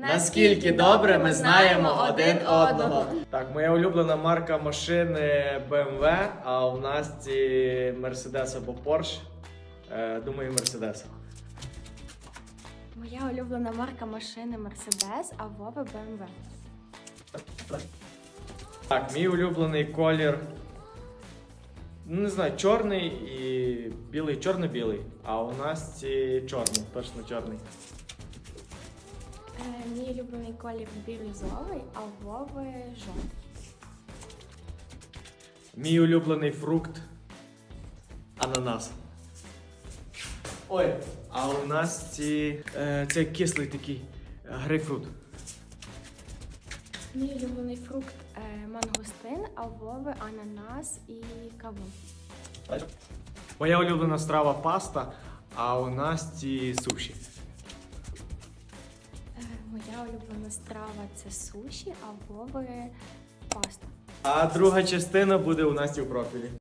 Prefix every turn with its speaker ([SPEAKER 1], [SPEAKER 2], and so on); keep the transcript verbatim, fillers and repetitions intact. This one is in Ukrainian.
[SPEAKER 1] Наскільки добре ми знаємо один одного.
[SPEAKER 2] Так, моя улюблена марка машини бе ем ве, а у нас ці Mercedes або Porsche. Е, думаю, Mercedes.
[SPEAKER 3] Моя улюблена марка машини Mercedes, а Вови бе ем ве.
[SPEAKER 2] Так, мій улюблений колір. Ну, не знаю, чорний і білий, чорно-білий. А у нас ці чорний, точно чорний.
[SPEAKER 3] Е, мій улюблений колір бірюзовий, а у Вови жовтий.
[SPEAKER 2] Мій улюблений фрукт ананас. Ой, а у нас ці. Е, це кислий такий е, грейпфрут.
[SPEAKER 3] Мій улюблений фрукт е, мангустин, а у Вови ананас і кавун.
[SPEAKER 2] Моя улюблена страва паста, а у нас ці суші.
[SPEAKER 3] Е, моя улюблена страва це суші, а у Вови паста.
[SPEAKER 2] А друга частина буде у нас у профілі.